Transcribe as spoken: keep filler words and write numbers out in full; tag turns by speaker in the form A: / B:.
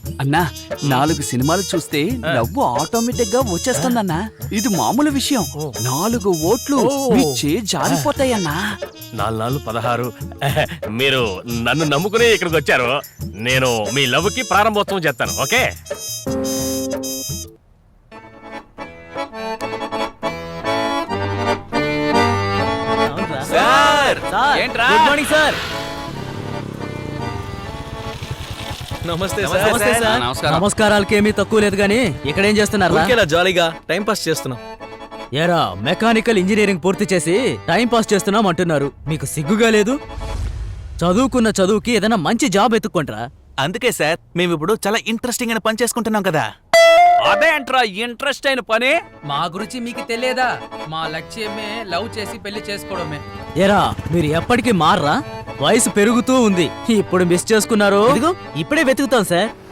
A: అన్నా నాలుగు సినిమాలు చూస్తే నవ్వు ఆటోమేటిక్ గా వచ్చేస్తుందన్నా. ఇది మామూలు విషయం. నాలుగు ఓట్లు మీ చే జారిపోతాయన్నా.
B: నాలుగు నాలుగు పదహారు. మీరు నన్ను నమ్ముకుని ఇక్కడికి వచ్చారు. నేను మీ లవ్ కి ప్రారంభోత్సవం చేస్తాను. ఓకే
C: సార్ ఏంట్రా?
D: Good morning sir.
C: నమస్తే
D: నమస్తే సార్. నమస్కారాలకేమీ తక్కువ లేదు గానీ ఇక్కడ ఏం చేస్తున్నారా?
C: జాలీగా టైం పాస్ చేస్తున్నాం.
D: ఏరా మెకానికల్ ఇంజనీరింగ్ పూర్తి చేసి టైం పాస్ చేస్తున్నాం అంటున్నారు. మీకు సిగ్గుగా లేదు? చదువుకున్న చదువుకి ఏదైనా మంచి జాబ్ ఎత్తుక్కుంటారా.
E: అందుకే సార్ మేము ఇప్పుడు చాలా ఇంట్రెస్టింగ్ అయిన పని చేసుకుంటున్నాం కదా.
C: అదే అంట్రా ఇంట్రెస్ట్ అయిన పని.
F: మా గురించి మీకు తెలియదా? మా లక్ష్యమే లవ్ చేసి పెళ్లి చేసుకోవడమే.
D: ఏరా మీరు ఎప్పటికీ మారరా? వయసు పెరుగుతూ ఉంది. ఇప్పుడు మిస్ చేసుకున్నారు. ఇదిగో ఇప్పుడే వెతుకుతాం సార్.